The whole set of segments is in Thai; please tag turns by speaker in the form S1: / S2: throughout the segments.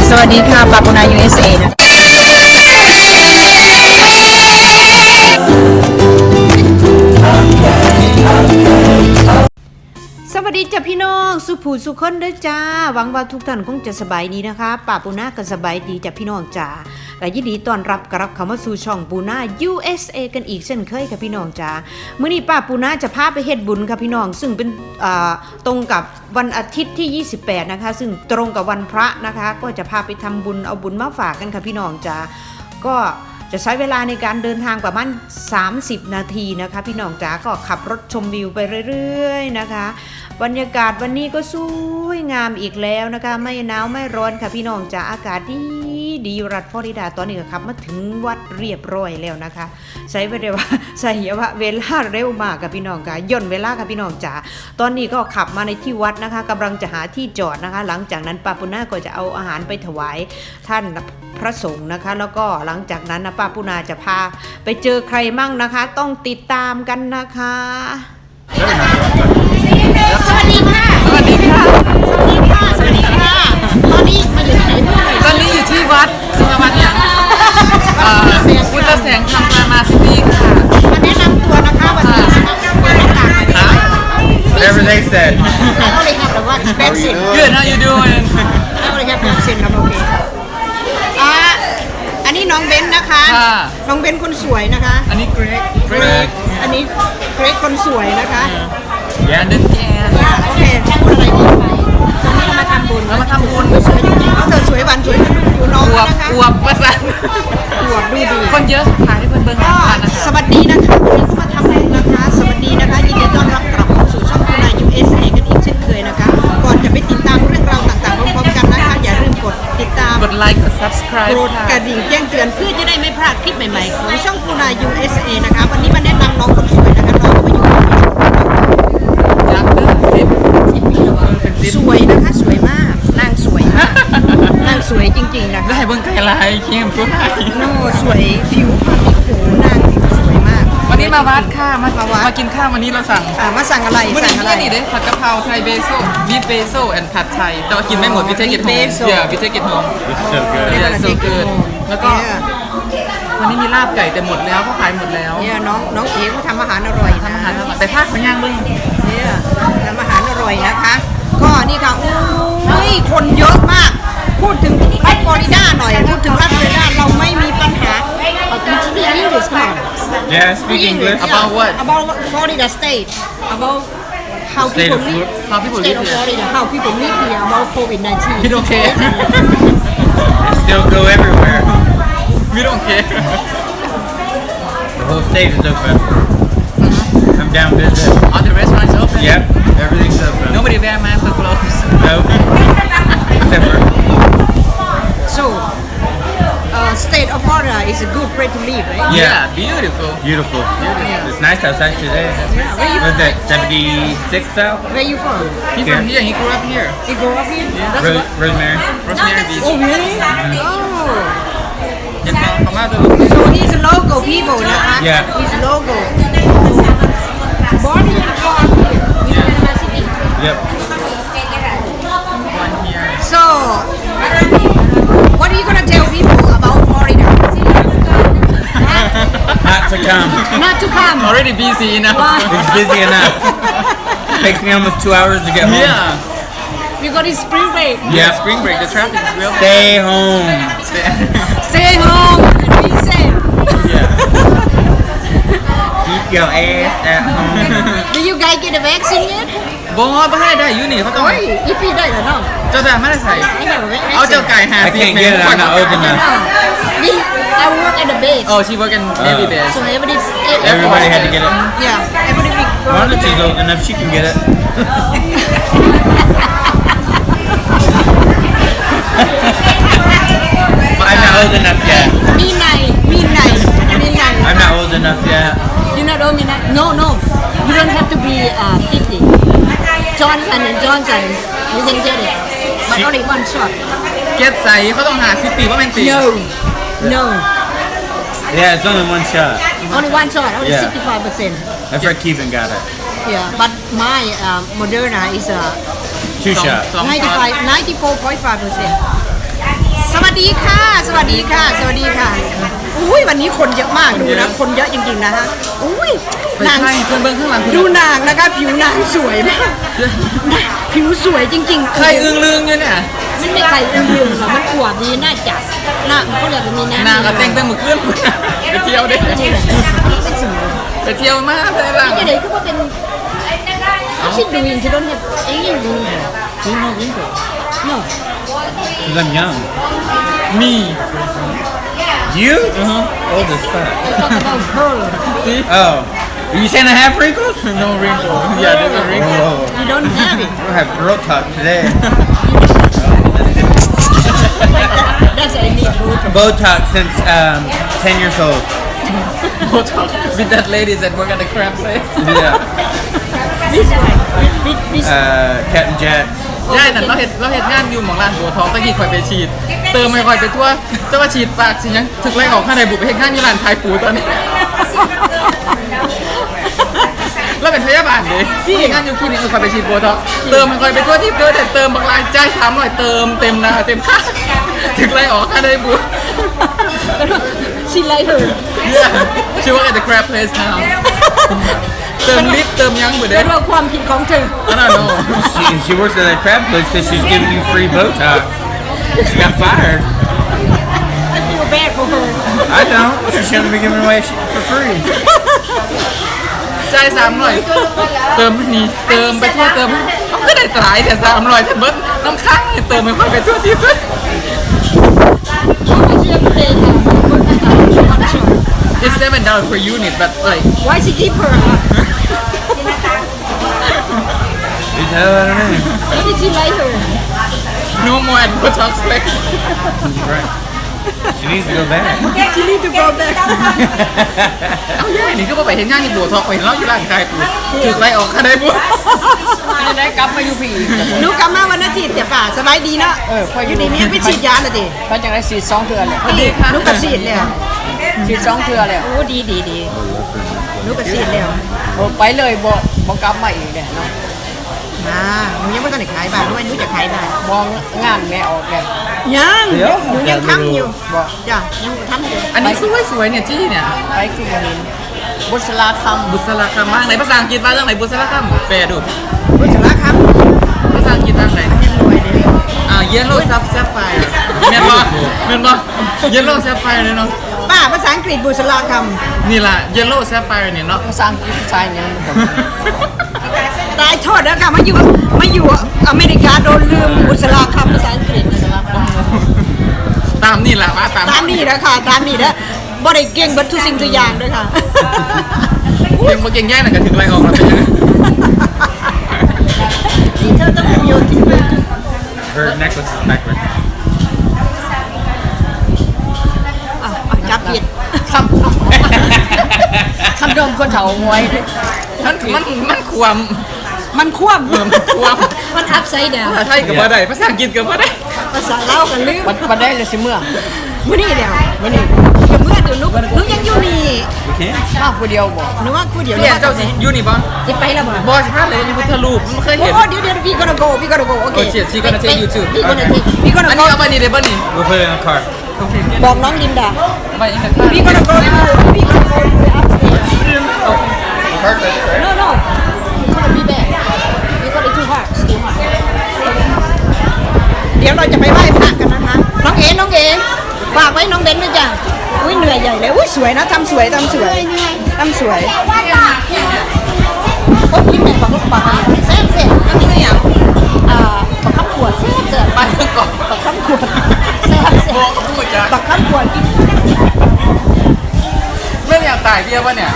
S1: สวัสดีค่ะปาปูนา USA นะสวัสดีจ้ะพี่น้องสุภูสุคนเด้อจ้าหวังว่าทุกท่านคงจะสบายดีนะคะป้าปูนาก็สบายดีจ้ะพี่น้องจ้าและยินดีต้อนรับกลับเข้ามาสู่ช่องปูนา USA กันอีกเช่นเคยค่ะพี่น้องจ้ามื้อนี้ป้าปูนาจะพาไปเฮ็ดบุญค่ะพี่น้องซึ่งเป็นตรงกับวันอาทิตย์ที่28นะคะซึ่งตรงกับวันพระนะคะก็จะพาไปทำบุญเอาบุญมาฝากกันค่ะพี่น้องจ้าก็จะใช้เวลาในการเดินทางประมาณ30 นาทีนะคะพี่น้องจ๋าก็ขับรถชมวิวไปเรื่อยๆนะคะบรรยากาศวันนี้ก็สวยงามอีกแล้วนะคะไม่หนาวไม่ร้อนค่ะพี่น้องจ๋าอากาศดีรัฐฟลอริดาตอนนี้ก็ขับมาถึงวัดเรียบร้อยแล้วนะคะใช้เวลาเร็วมากค่ะพี่น้องค่ะย่นเวลาค่ะพี่น้องจ๋าตอนนี้ก็ขับมาในที่วัดนะคะกำลังจะหาที่จอดนะคะหลังจากนั้นป้าปุณาก็จะเอาอาหารไปถวายท่านพระสงฆ์นะคะแล้วก็หลังจากนั้นนะป้าปุณาจะพาไปเจอใครมั่งนะคะต้องติดตามกันนะคะสวัสดีค่ะสวัสดีค่ะสวัสดีค่ะสวัสดีค่ะตอนนี้มาอยู่ที่ไหนตอนนี้อยู่ที่วัดสุนทรวัฒน์เนี่ยพุทธแสงธรรมรามาซิตี้ค่ะมาแนะนำตัวนะคะวันนี้นะคะเปิดหน้าต่างหน่อยค่ะ
S2: Whatever they said.
S1: I only have the one vaccine.
S2: Good. How you doing?
S1: I only have vaccine. I'm okay. อันนี้น้องเบนนะคะน้องเบนคนสวยนะคะ
S2: อันนี้ Greg
S1: อันนี้เกรกคนสวยนะคะ
S2: Yeah.
S1: โอเคพูดอะไรดีไปตอนนี้เรามาทำบุญสวยจริงๆเธอสวยหวานสวยดูน้องนะคะ
S2: อวบประสาน
S1: อวบดูดี
S2: คนเยอะขายให้เบิ่งๆนะคะ
S1: สวัสดีนะคะวันนี้มาทำบุญนะคะสวัสดีนะคะยินดีต้อนรับกลับเข้าสู่ช่องปูนา USA กันอีกเช่นเคยนะคะก่อนจะไปติดตามเรื่องราวต่างๆพร้อมๆกันนะคะอย่าลืมกดติดตาม
S2: กดไลค์กด subscribe
S1: กดกระดิ่งแจ้งเตือนเพื่อจะได้ไม่พลาดคลิปใหม่ๆของช่องปูนา USA นะคะวันนี้มาแนะนำน้องคนสวยนะคะน้องก็มาอยู่
S2: ยักษ์10
S1: สวยนะคะสวยมากนางสวยมากนางสวยจริงๆนะคะ
S2: ได้เบิ่งไก่ลายเข้มทุกไทย
S1: โน่สวยผิวโอ้โหนางสวยมาก
S2: วันนี้มาวัดค่ะมากินข้าววันนี้เราสั่ง
S1: มาสั่งอะไร
S2: วัน
S1: สั่งอะไร
S2: นี้นี่เด้ผัดกะเพราไทยเบโซ่บีฟเบโซ่แอนด์ผัดไทยแต่ว่ากินไม่หมดวิเทกิจโฮมวิเทกิจโฮม
S3: It's so good.
S2: Yeah, so good. แล้วก็วันนี้มีลาบไก่แต่หมดแล้วเขาขายหมดแล้ว
S1: เนี่ยน้องเอ๋เขาทำอาหารอร่อย
S2: ทำอาหารแต่ภาคมันย่างเบิ่ง
S1: เนี่ยทำอาหารอร่อยนะคะก็นี่ค่ะโอ้ยคนเยอะมากพูดถึงรัฐฟลอริดาหน่อยพูดถึงรัฐฟลอริดาเราไม่มีปัญหาspeak English come on
S3: Yeah, speak English.
S2: About what?
S1: About Florida state about how
S3: State
S1: people
S3: of
S1: live
S2: How people
S1: state
S2: live
S1: of
S2: here.
S1: Florida how people live here about COVID-19
S2: We don't care.
S3: They still go everywhere.
S2: We don't care.
S3: The whole state is open. Come down visit.
S2: All the restaurants open.
S3: Yep, everything's open.
S2: Nobody wear masks or gloves.
S3: Nope. Except for
S1: so state of Florida is a good place to live right
S2: Yeah, beautiful.
S3: beautiful. It's nice outside today.
S1: where you
S3: Was it 76 out?
S1: where you from
S2: He's from here. He grew up here.
S1: you grow up here that's what
S3: Rosemary.
S2: Rosemary Beach.
S1: oh really oh
S2: เห็นเขาเขามาดู
S1: so he's a local people นะคะ
S3: Yeah.
S1: he's local born in Panama City
S3: Yep.
S2: one here.
S1: so what are you gonna tell people about Florida
S3: Not to come.
S1: not to come
S2: Already busy enough.
S3: It's busy enough. Takes me almost 2 hours to get home.
S2: Yeah.
S1: we got this spring break
S3: Yeah.
S2: Spring break. The traffic is real.
S3: Stay home.
S1: stay home and be safe
S3: Yeah. Keep your ass at home.
S1: do you guys get the vaccine yet
S2: บอไม่ให้ได้ยูนี่เขาต้อง
S1: โอ้ยอีพี่ได้เหรอน้อง
S2: เจ้าแต่ไม่ได้ใส่
S1: I have a vaccine
S2: เอาเจ้าไก่หา
S3: I
S2: สิ
S3: can't get it. I'm not old enough.
S1: I work at the base
S2: Oh, she work in Navy base.
S1: so
S3: Everybody had to get it.
S1: yeah everybody
S3: Monta's old enough, she can get it. I'm not old enough yet.
S1: midnight
S3: I'm not old enough yet.
S1: you not old midnight no you don't have to be 50 Johnson and Johnson you can get it but only one shot
S2: เก็ตใส่เขาต้องหา10 ปีว่าเป็นตี
S1: no
S3: Yeah, it's only one shot.
S1: only one shot only
S3: Yeah.
S1: 65%
S3: My friend Kevin got it.
S1: yeah but my Moderna is
S3: 2 shots.
S2: 2
S1: 94.5% สวัสดีค่ะ สวัสดีค่ะ สวัสดีค่ะ อุ้ยวันนี้คนเยอะมากดูนะ คนเยอะจริงๆนะฮะ อุ้ย
S2: นางเพื่อนเบิ้งข้างหลัง
S1: ดูนางนะคะ ผิวนางสวยมาก ผิวสวยจริงๆ
S2: ใครอึ้งลึงอยู่เนี่ย
S4: มันไม่ไข่อึ้งลึงหรอกมันอวบดีน่าจับน่าเขาเรียกว่ามีน้ำ
S2: นางก็แต่งมือเคลื่อนไปเที่ยวเด้ไปเที่ยวมากเลยล่ะ
S4: นี่เด็กก็ว่าเป็นชิดดูอินชิดโดนเห็ดเองยังดู
S2: คุณน้องยิ่งกว่า
S4: เนาะ
S3: Because I'm young.
S2: มี
S3: You? Old as fuck.
S4: ต้องเอาเพิ่ม
S3: Oh. Are you saying I have wrinkles?
S2: no wrinkle yeah there's a wrinkle
S3: Whoa.
S4: you don't have it
S3: We'll have girl talk today.
S4: that's I need to
S3: Botox since 10 years old.
S2: with that lady that work at the crab place
S3: Yeah.
S4: this one this
S3: Captain Jack.
S2: ย่ายนั่นเราเห็นงานอยู่หมองร้านบัวทองตะกี้คอยไปฉีด เติมไม่คอยไปทั่วจะว่าฉีดปากสิยังถึกไล่ออกข้างในบุกไปเห็นงานอยู่ร้านขายปูตอนนี้ แล้วเป็นพยาบาลดิที่งานอยู่คลินิกคอยไปฉีดบัวทองเติมไม่คอยไปทั่วที่เดินแต่เติมบางรายจ่าย300เติมเต็มหน้าเต็มข้างถึกไล่ออกข้างในบุก
S4: she like her
S2: Yeah she work at the crab place now เติมลิฟต์เติมยังเหมือนเดิ
S4: เป็
S2: ม
S4: นว่าความผิดของเธอ
S2: I don't know
S3: She works at that crab place because she's giving you free Botox. She got fired.
S4: I feel bad for her
S3: I don't. She shouldn't be giving away for free.
S2: จ่าย300เติมนี่เติมไปทั่วเติมเอาก็ได้ตายแต่300แต่เบิ้ลน้ำค้างเติมไม่ค่อยไปทั่วที่เบิ้ล
S4: I should pay her
S2: It's $7 per unit but like
S4: why she keep her
S3: Who the hell I don't know.
S4: why did she like her
S2: no more at Botox place
S3: Right. She needs to go back.
S4: she need to go back
S2: เอาย่ายนี่ก็ไปเห็นงานที่บัวทองไปเห็นเราอยู่ร้านขายปูถึกไล่ออกข้างในบัว
S4: จะได้กลับมาอยู่พี่
S1: หนูกลับมาวันอาทิตย์เดี๋ยวป่าสบายดีเนาะอยู่ดีเนี่ยไปฉีดยาเลยดิ
S4: เพราะจังได้สีสองเทือเลย
S1: หนูก็ฉีดแล้ว
S4: สีสองเทือเลย
S1: โอ้ดีหนูก็ฉีดแล้ว
S4: ไปเลยบ่กลับมาอีกเลยเนาะ
S1: หนูยังไม่ต้องได้ขายบ้านด้วยหนูจะขายบ้าน
S4: มองงานแม่ออกเลย
S1: ยังหนูยังทำอยู่จ้ะยังทำอยู่
S2: อันนี้สวยๆเนี่ยจี้เนี่ย
S4: ไปที่วันนี้บุษราคำ
S2: บุษราคำมากในภาษาอังกฤษว่าเรื่องไหนบุษราคำแปลดู
S1: รู้จักแล้วครับ
S2: ภาษาอังกฤษว่าไหน
S1: รวยเลย
S2: yellow sapphire เมียนบ่ yellow sapphire เนี่ยเนาะ
S1: ป้าภาษาอังกฤษบุษราค
S2: นี่ล่ะ yellow sapphire เนี่ยเนาะ
S4: ภาษาอังกฤษภาษาอย่างนี้
S1: ำตายโทษแล้วค่ะมาอยู่อเมริกาโดนลืมบุษราคำภาษาอังกฤษ
S2: ตามนี่แหละว่าตาม
S1: ตามนี่นะค่ะตามนี่นะบ่ได้เก่งเบัดทุกสิ่งทุกอย่างด้วยค่ะ
S2: เก่งมาเก่งแย่หน่อยก็ถึงไรออกมาเป็นยังไง
S1: นี่เธอต้องโยนทิ้งไป
S3: Her necklace is backwards.
S1: จับผิด
S4: คำดมคนเถาหวย
S2: มันความ
S1: มันคว่
S2: มันความ
S4: มันอัพไซด์ดาว
S2: ภาษาไทยกับว่าได้ภาษาอังกฤษกับว่าได้
S1: ำภาษาเล่าวกันลืม
S4: มันได้เลยสิเมื่อ
S1: มื้อนี้แล้วมื้อนี้ก็เมื่อเดี๋ยวนุกยังอยู่นี่
S3: We can.
S4: มากผู้เดียวบอก
S1: หนูว่ากูเดี๋ยว
S2: เรียนเจ้าสิยูนี่บ่
S4: จะไปแล้วบ่
S2: บอสิพาเลยนี่พุทธรูปมันเคย
S1: โอ้
S2: เห็น
S1: เดี๋ยวพี่ก็โกโอเค
S2: โอ้เฉียดชีกันนะเช่ยูทูบ
S4: พี่คนนี้
S1: พี่ก็
S2: อัน
S1: โก
S2: นี้เอาไปนี่ได้บ่นี่
S3: We'll put it in the car.
S1: บอกน้องลินดา
S2: ไปอีกสักครั้ง
S1: พี่ก็โกพี่ก็โก
S3: Perfect.
S4: no no you gonna be back you gonna too hard too hard
S1: เดี๋ยวเราจะไปไหว้พระกันนะคะน้องเอ๋ฝากไว้น้องเบนด้วยจ้ะอุ้ยเหนื่อยใหญ่เลยอุ้ยสวยนะทำสวยโอ้พี่แม่บอกลูกปากแซ่บอันนี้คืออย่าง
S4: ประคับขวดเสีย
S2: ไปก่อน
S4: ประคับขวดแซ่บ
S2: บอกกับผู้จัด
S1: ปักข้าวขวดกิน
S2: เรื่องอยากตายเบี้ยป่ะเนี่ย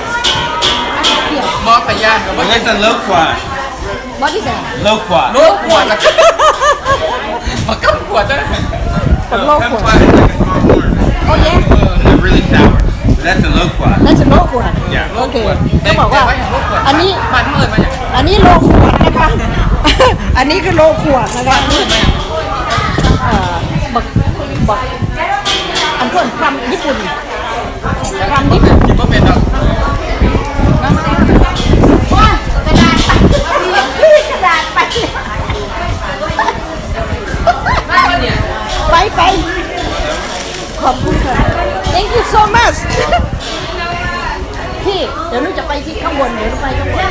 S2: บอกพยานกับว่า
S3: Well, it's a low quad.
S4: บอดี้แซ่
S3: Low quad.
S2: โลกขวดอะมากั้มขวดจ้ะ
S3: Low quad is like a small corn.
S4: โอ้ย
S3: They're really sour. But that's a low quad.
S1: นั่นจะโลขวด
S3: Yeah.
S1: โอเคเขาบอกว่า อันนี้
S2: บ้านเมื่อมาอย่าง
S1: อันนี้โลขวดนะคะ อันนี้คือโลขวดนะคะบักอันเพื่อนคำญี่ปุ่นคำญี่ปุ่น
S2: คิดว่าเป็นดอก
S1: ไปไปขอบคุณค่ะ thank you so much พี่เดี๋ยวหนูจะไปที่ข้างบนเดี๋ยวเราไปข้างบน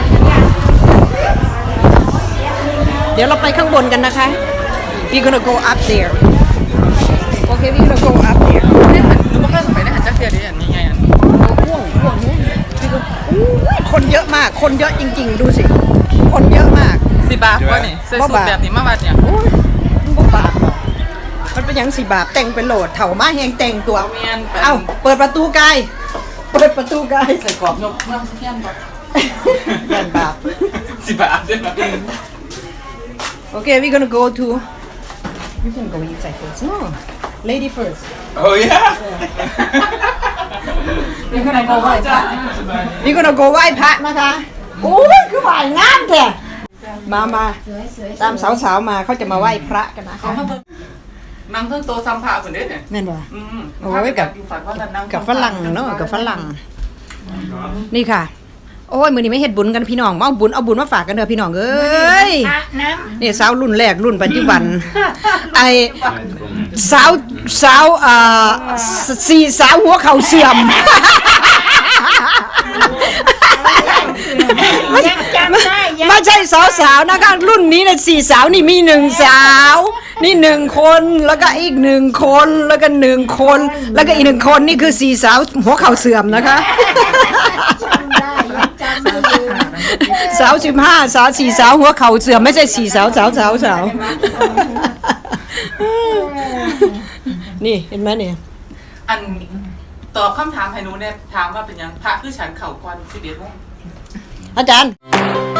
S1: เดี๋ยวเราไปข้างบนกันนะคะ we gonna go up there okay we gonna go up there
S2: เนี่ยหนูไม่เคยไปได้หันจักเดียวดิอันนี้ไงอัน
S1: ห่วงเนี่ยคนเยอะมากคนเยอะจริงๆดูสิคนเยอะมาก
S2: 10 บาทวะนี่ใส่สูทแบบนี้มาบาทเนี่ย
S1: โอ้ยบ่บาปหรอกมันเป็นหยัง4 บาทแต่งเป็นโหลดเถ่ามาแหงแต่งตัว
S2: เมียนไป
S1: เอ้าเปิดประตูกายเปิดประตูกาย
S2: ใส่กรอบนกน้ำเทียนก่อน
S1: ยันบาป
S2: 10 บาทด้วยนะ
S1: Okay, we're gonna go to. We can go inside first. No, lady first.
S3: Oh yeah.
S1: We're gonna go ไหว้พระ We're gonna go ไหว้พระนะคะโอ้ยคือไหว้งามแท้มาตามสาวๆมาเขาจะมาไหว้พระกันนะคะ
S2: นั่งเครื่องโตซัมพาคนเด้เนี่ย
S1: นั่นวะ
S2: โอ้ยกับ
S1: ฝรั่งเนาะกับฝรั่งนี่ค่ะ โอ้ยมื้อนี้ไม่เฮ็ดบุญกันพี่น้องมาเอาบุญมาฝากกันเด้อพี่น้องเอ้ยนี่สาวรุ่นแรกรุ่นปัจจุบันไอสาวสี่สาวหัวเข่าเสื่อมไม่ใช่สาวๆนะคะรุ่นนี้นะ4 สาวนี่มี1 สาวนี่1 คนแล้วก็อีก1 คนแล้วก็1 คนแล้วก็อีก1 คนนี่คือ4 สาวหัวเข่าเสื่อมนะคะสาว15 สาว4 สาวหัวเข่าเสื่อมไม่ใช่4 สาวนี่เห็นไหมเนี่ย
S2: อันตอบคำถามให้หนูเนี่ยถามว่าเป็นยังพระคือฉันเข่าก่อน11 โมง
S1: อาจารย์